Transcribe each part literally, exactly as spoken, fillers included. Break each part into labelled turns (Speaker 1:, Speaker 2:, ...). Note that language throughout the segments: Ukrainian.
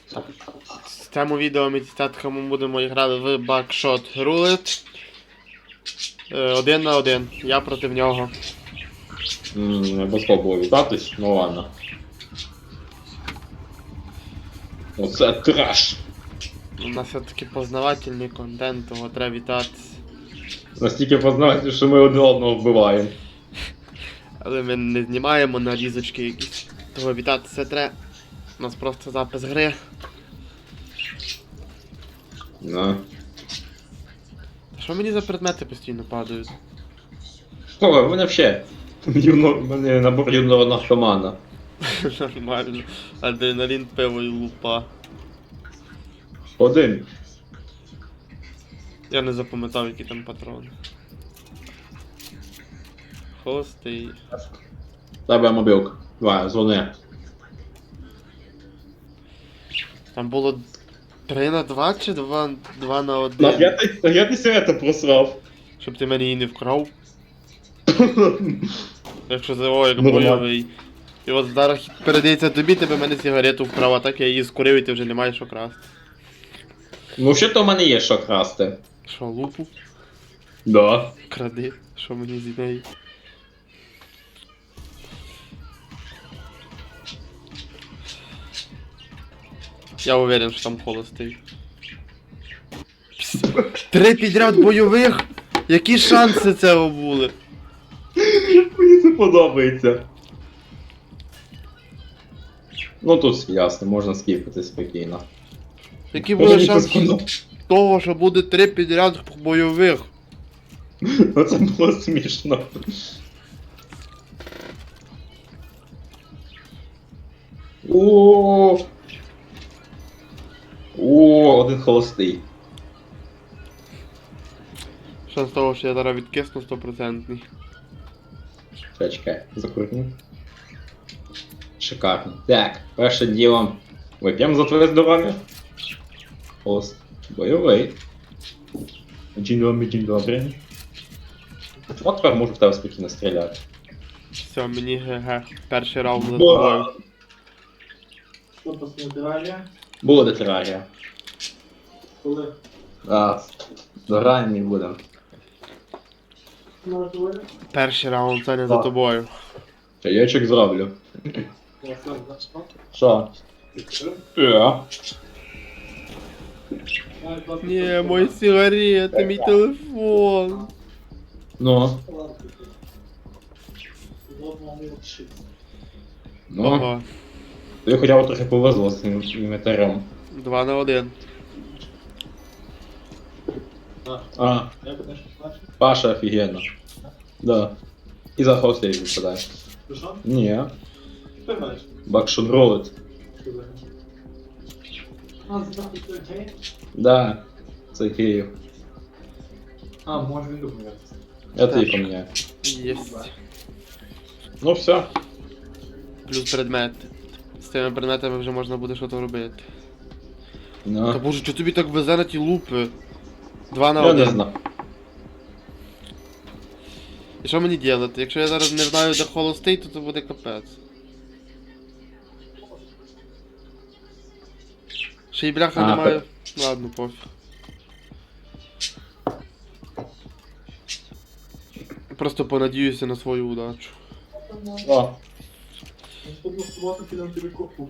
Speaker 1: В цьому відео ми з татками будемо грати в Buckshot Roulette. Один на один. Я проти нього.
Speaker 2: Ммм, не було вітатись, ну ладно. Оце треш.
Speaker 1: У нас все-таки познавательний контент, того треба вітатися.
Speaker 2: Настільки познавати, що ми один одного вбиваємо.
Speaker 1: Але ми не знімаємо нарізочки якісь. Того вітатися треба. У нас просто запис гри.
Speaker 2: На.
Speaker 1: Що мені за предмети постійно падають?
Speaker 2: О, в мене взагалі. Юно, в мене набор юного наркомана.
Speaker 1: Нормально. Адреналін, пиво і лупа.
Speaker 2: Один.
Speaker 1: Я не запам'ятав, які там патрони. Холостий.
Speaker 2: Тебе мобілка. Давай, дзвони.
Speaker 1: Там було три на два чи два на
Speaker 2: На
Speaker 1: один?
Speaker 2: я ти, я ти сигарета просрав.
Speaker 1: Щоб ти мене її не вкрав. Якщо за о, як
Speaker 2: Нормально.
Speaker 1: бойовий. І от зараз хід передається тобі, тебе мене сигарету вкрав, а так я її скурив і ти вже не маєш що красти.
Speaker 2: Ну що то в мене є що красти?
Speaker 1: Що, лупу?
Speaker 2: Да.
Speaker 1: Кради, що мені з неї? Я уверен, що там холостий. Три підряд бойових? Які шанси цього були?
Speaker 2: Мені це подобається. Ну тут ясно, можна скіпати спокійно.
Speaker 1: Які були шанси того, що буде три підряд бойових?
Speaker 2: Ну це було смішно. О, О, один холостий.
Speaker 1: Шанс того, що я зараз відкисну стопроцентний.
Speaker 2: Чекай, чекай, закурю. Шикарно. Так, перше діло. Вип'ємо за твоє здоров'я. Холост. Бойовий. Дінь добрий, дінь добрий. От тепер можу в тебе спокійно стріляти.
Speaker 1: Все, мені ГГ. Перший раунд за тобою.
Speaker 3: Що після терарія?
Speaker 2: Було де терарія.
Speaker 3: Коли?
Speaker 2: А, дограємо і будемо.
Speaker 3: Може говорити?
Speaker 1: Перший раунд, це не за
Speaker 2: Так.
Speaker 1: тобою.
Speaker 2: Чайочок зроблю.
Speaker 3: Я сам зачпав.
Speaker 2: Що? Я.
Speaker 1: Ні, мої сигарети, мій телефон.
Speaker 2: Ну. Ну.
Speaker 1: Ого.
Speaker 2: Тобі хоча б трохи повезло з цим інвентарем.
Speaker 1: Два на один.
Speaker 2: А,
Speaker 3: Я будеш бачити?
Speaker 2: Паша офігенно. Да. І за хостей випадає.
Speaker 3: Ти що?
Speaker 2: Ні.
Speaker 3: Ти граєш?
Speaker 2: Бакшот ролить.
Speaker 3: Що за гра? А, здравствуй, ти гей?
Speaker 2: Да. Це Київ.
Speaker 3: А, може він домовляється.
Speaker 2: Я тобі поміняю.
Speaker 1: Єсть.
Speaker 2: Ну все.
Speaker 1: Плюс предмет. З цими предметами вже можна буде щось робити. Та
Speaker 2: Ну.
Speaker 1: боже, чого тобі так везе на ті лупи? Два на
Speaker 2: Я не
Speaker 1: один.
Speaker 2: знаю.
Speaker 1: І що мені делати? Якщо я зараз не знаю, де холостий, то це буде капець. Ще й бляха
Speaker 2: А,
Speaker 1: немає. Ладно, пофіг. Просто понадіюся на свою удачу.
Speaker 2: О.
Speaker 3: Наступну суботу підемо тобі купу.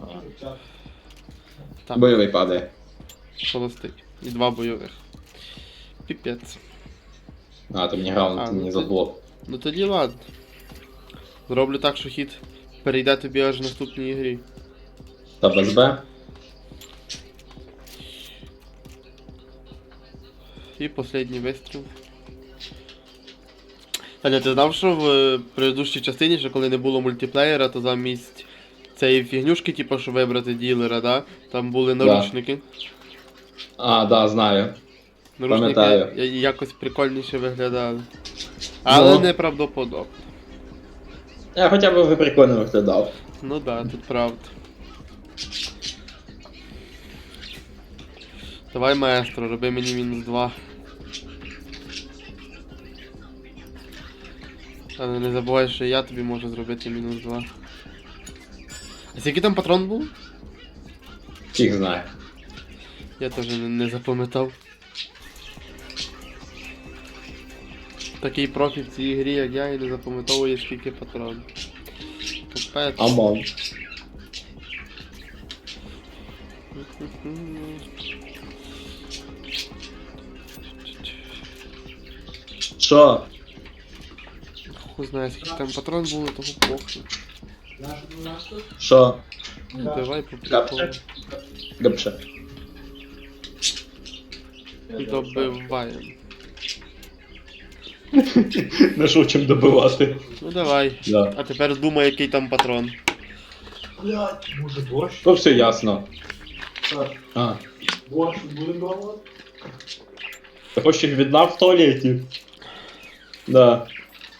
Speaker 1: Так,
Speaker 2: Бойовий падає.
Speaker 1: холостий. І два бойових. Піпець.
Speaker 2: А, ти мені грав,
Speaker 1: А,
Speaker 2: ти
Speaker 1: ну
Speaker 2: мені
Speaker 1: ти-
Speaker 2: заблок.
Speaker 1: Ну тоді ладно. Зроблю так, що хід перейде тобі аж в наступній грі.
Speaker 2: Та без Б.
Speaker 1: І останній вистріл. Таня, ти знав, що в е, предыдущій частині, що коли не було мультиплеєра, то замість цієї фігнюшки, типу, що вибрати ділера, да? Там були наручники.
Speaker 2: А, да, знаю.
Speaker 1: Наручники
Speaker 2: Пам'ятаю.
Speaker 1: я- якось прикольніше виглядали. Але
Speaker 2: Ну.
Speaker 1: неправдоподобно.
Speaker 2: Я хоча б ви прикольно виглядав.
Speaker 1: Ну да, тут правда. Давай, маестро, роби мені мінус два. Але не забувай, що я тобі можу зробити мінус два. А скільки там патрон був?
Speaker 2: Фіг знає.
Speaker 1: Я теж не, не запам'ятав. Такий профі в цій грі, як я, і не запам'ятовує скільки патронів. Капець.
Speaker 2: Амон. Що?
Speaker 1: Хуй знає, скільки там патрон було, того похуй.
Speaker 3: Наш, наш тут?
Speaker 2: Що?
Speaker 1: Ну,
Speaker 3: Так.
Speaker 1: давай по приколу.
Speaker 2: Гапче? Гапче.
Speaker 1: Добиваємо.
Speaker 2: Не що чим добивати.
Speaker 1: Ну давай.
Speaker 2: Да.
Speaker 1: А тепер думай, який там патрон.
Speaker 3: Блядь, може борщ?
Speaker 2: То все ясно.
Speaker 3: Так,
Speaker 2: А.
Speaker 3: борщ будемо пробувати?
Speaker 2: Ти хочеш їх віддав в туалеті? Да.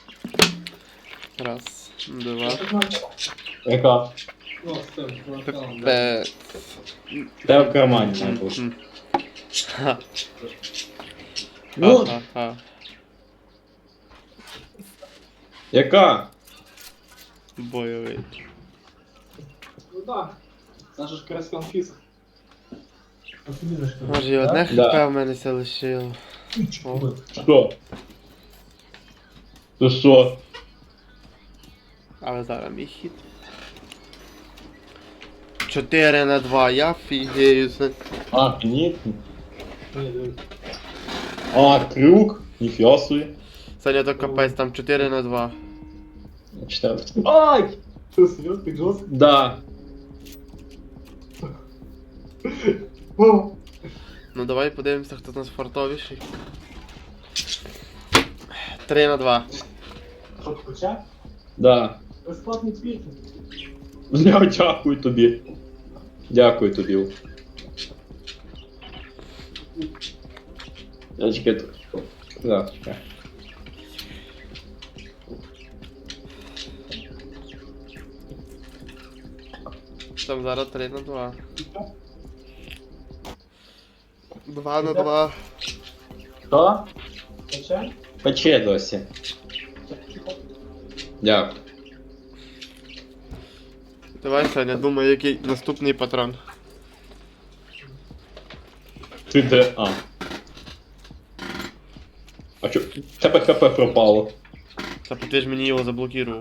Speaker 1: Раз, два.
Speaker 2: Яка?
Speaker 3: Ну, з тим, кварталом, да.
Speaker 1: Пепе.
Speaker 2: Де в кармані має бути.
Speaker 1: М. Ха.
Speaker 2: Ну.
Speaker 1: Ха-ха-ха.
Speaker 2: Яка?
Speaker 1: Бойовий.
Speaker 3: Ну так. Це ж якраз конфіск.
Speaker 1: Може і одне
Speaker 2: Да.
Speaker 1: хп в мене все лишило. О.
Speaker 2: Що? Ти що?
Speaker 1: Але зараз мій хід. чотири на два, я фігею. Це-
Speaker 2: А, ні. А, крюк? Ніфіга собі.
Speaker 1: Саня, то капець, там чотири на два.
Speaker 2: Читаю.
Speaker 3: Ай! Ти серйозно, ти жорстко?
Speaker 2: Да.
Speaker 3: О!
Speaker 1: Ну давай подивимося, хто з нас фартовіший. три на два.
Speaker 3: Що, ти почав?
Speaker 2: Да.
Speaker 3: Безплатний твіт.
Speaker 2: Я дякую тобі. Дякую тобі. Я чекай тут. Да, чекай.
Speaker 1: Там зараз три на два. два на два.
Speaker 2: Що?
Speaker 3: Почав?
Speaker 2: Пече досі. Дякую.
Speaker 1: Давай, Саня, думай, який наступний патрон.
Speaker 2: Ти де? А. А чо? В Тебе хп пропало.
Speaker 1: Та ти ж мені його заблокував.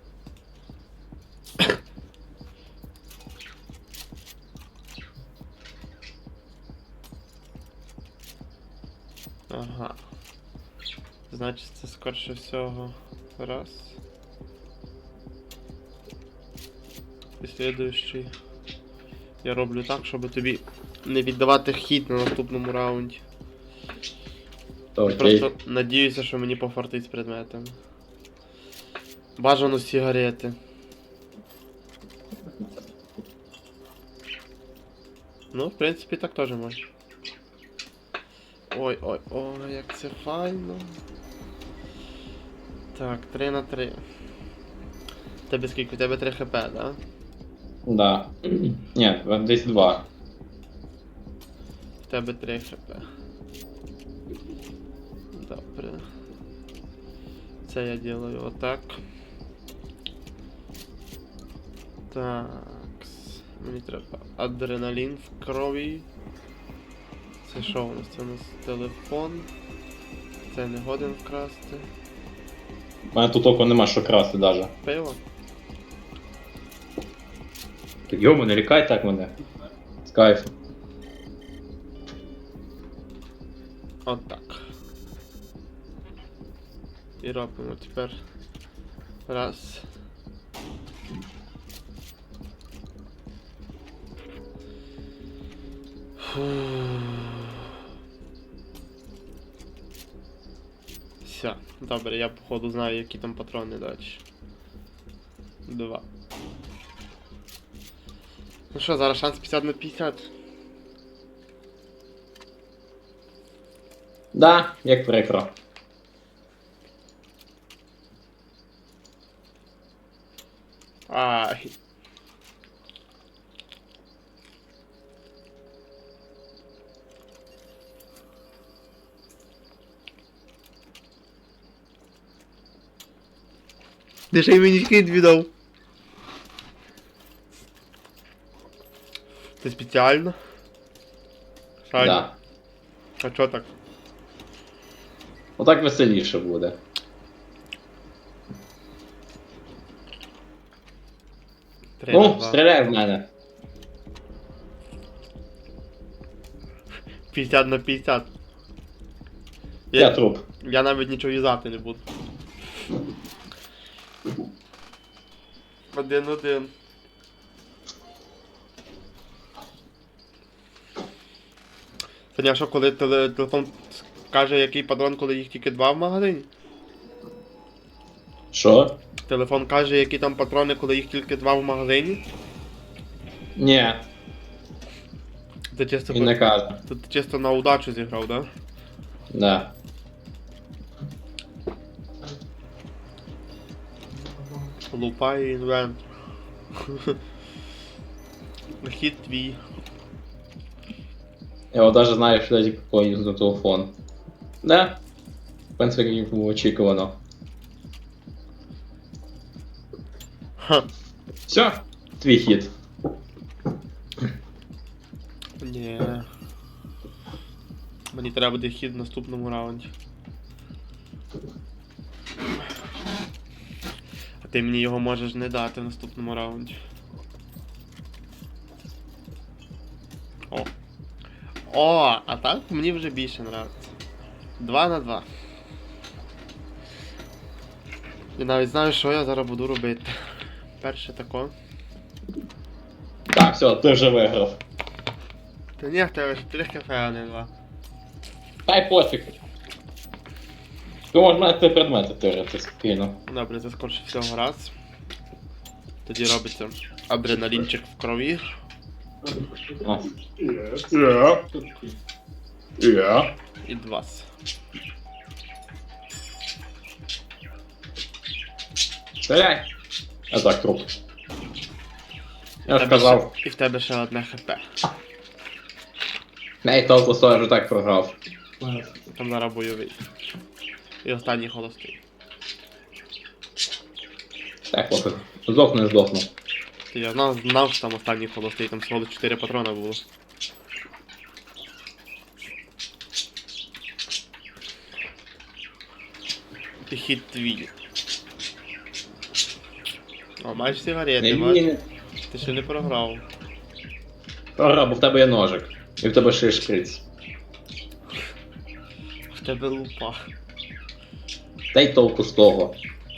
Speaker 1: Ага. Значить, це скорше всього. Раз. І слідуючий. Я роблю так, щоб тобі не віддавати хід на наступному раунді.
Speaker 2: То окей.
Speaker 1: Просто надіюся, що мені пофартить з предметами. Бажано сигарети. Ну, в принципі, так теж можна. Ой, ой, ой, як це файно. Так, три на три. Тебе скільки? У тебе три хп, да?
Speaker 2: Да. Ні, десь два.
Speaker 1: У тебе три хп. Добре. Це я делаю отак. Так. Мені треба адреналін в крові. Це що у нас? Це у нас телефон. Це не годен вкрасти.
Speaker 2: У мене тут око нема що красти даже.
Speaker 1: Пиво?
Speaker 2: Так йому, не лікай так мене. З кайфом.
Speaker 1: Отак. І робимо тепер. Раз. Фу. Все, добре, я походу знаю, які там патрони далі. Два. Ну що, зараз шанс п'ятдесят на п'ятдесят.
Speaker 2: Да, як прикро.
Speaker 1: Ай. Ти ще й мені хід віддав. Ти спеціально? Шань?
Speaker 2: Да.
Speaker 1: А чо так?
Speaker 2: Отак веселіше буде.
Speaker 1: Три на
Speaker 2: Ну,
Speaker 1: два.
Speaker 2: стріляй в мене.
Speaker 1: п'ятдесят на п'ятдесят.
Speaker 2: Я
Speaker 1: Я,
Speaker 2: труп.
Speaker 1: я навіть нічого в'язати не буду. Один-один. Саня, що коли теле- телефон каже, який патрон, коли їх тільки два в магазині?
Speaker 2: Що?
Speaker 1: Телефон каже, які там патрони, коли їх тільки два в магазині?
Speaker 2: Ні,
Speaker 1: Це чисто,
Speaker 2: він не
Speaker 1: по-
Speaker 2: каже.
Speaker 1: це ти чисто на удачу зіграв, да?
Speaker 2: Да.
Speaker 1: Лупай інвент. Хід твій.
Speaker 2: Я от даже знаю, що я какой на телефон. Да. В принципі, як було очікувано.
Speaker 1: Ха.
Speaker 2: Все, твій хід.
Speaker 1: Ні. Мені треба буде хід в наступному раунді. А ти мені його можеш не дати в наступному раунді. О. О, а так мені вже більше нравиться. Два на два. Я навіть знаю, що я зараз буду робити. Перше тако.
Speaker 2: Так, все, ти вже виграв.
Speaker 1: Та ні, в тебе ж три кафе, а не два.
Speaker 2: Та й пофіг. Ти можеш мене три предмети тирити спокійно.
Speaker 1: Добре, це скорше всього раз. Тоді робиться адреналінчик в крові.
Speaker 2: О. Я. Я.
Speaker 1: І два.
Speaker 2: Стріляй. А так, труп. Я ж
Speaker 1: тебе
Speaker 2: казав.
Speaker 1: ще- І в тебе ще одне хп.
Speaker 2: Ей, толку сто, я вже так програв.
Speaker 1: Там зараз бойовий. І останній холостий.
Speaker 2: Так, пофіг. Здохну, не здохну.
Speaker 1: Ти я знав, знав, що там останній холостий, там всього чотири патрона було. І хід твій. О, маєш сигарети,
Speaker 2: Ні,
Speaker 1: бач?
Speaker 2: ні.
Speaker 1: Ти ще не програв.
Speaker 2: Програв, бо в тебе є ножик. І в тебе ще є шприц.
Speaker 1: В тебе лупа.
Speaker 2: Та й толку з того.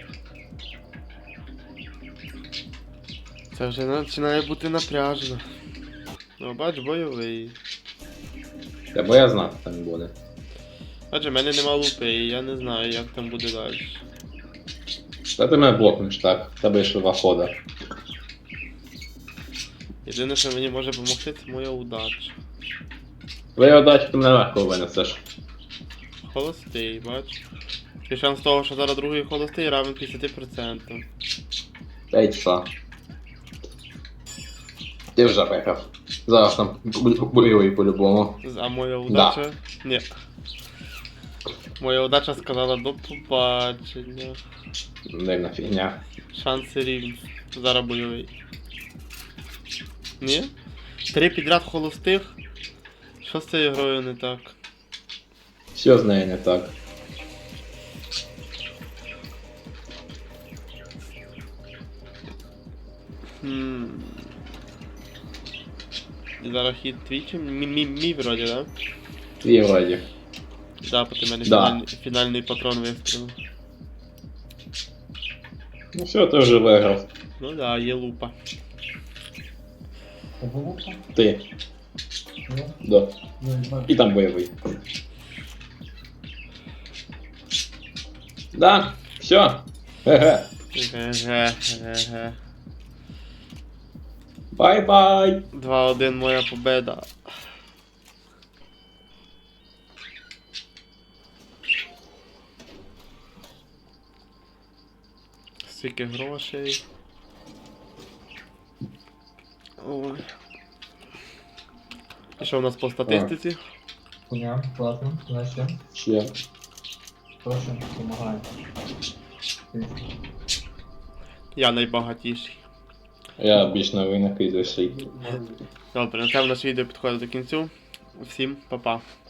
Speaker 1: Це вже починає бути напряжно. Ну, бач, бойовий.
Speaker 2: Та бо я знав, що там буде.
Speaker 1: Адже в мене нема лупи, і я не знаю, як там буде далі.
Speaker 2: Та ти мене блокнеш так, в тебе є ще два хода.
Speaker 1: Єдине, що мені може допомогти, це моя удача.
Speaker 2: Твоя удача, ти мене легко винесеш.
Speaker 1: Холостий, бач. І шанс того, що зараз другий холостий равен п'ятдесят відсотків.
Speaker 2: Та й що? Ти вже виграв. Зараз там бойовий по-любому.
Speaker 1: А моя удача? Ні. Моя удача сказала до побачення.
Speaker 2: Дивна фігня.
Speaker 1: Шанси рівні. Зараз бойовий. Ні? Три підряд холостих? Що з цією грою не так?
Speaker 2: Все з нею не так.
Speaker 1: Хм. І зараз хід твій чи мій, мій, мій вроді, да?
Speaker 2: Твій вроді.
Speaker 1: Да, бо ти мене
Speaker 2: Да.
Speaker 1: фінальний, фінальний патрон вистрілив.
Speaker 2: Ну все, ти вже виграв.
Speaker 1: Ну да, є лупа.
Speaker 2: Ти. Да. І там бойовий. Да, все. Ге-ге.
Speaker 1: Ге-ге-ге-ге.
Speaker 2: Бай-бай.
Speaker 1: два-один моя победа. Скільки грошей. Ой. І що у нас по статистиці?
Speaker 3: Хуйня, ладно, значит,
Speaker 2: Ще.
Speaker 3: прошу, помогай.
Speaker 1: Я найбагатіший.
Speaker 2: Я більш на винах і досі.
Speaker 1: Добре, на цьому наше відео підходить до кінцю. Всім па-па.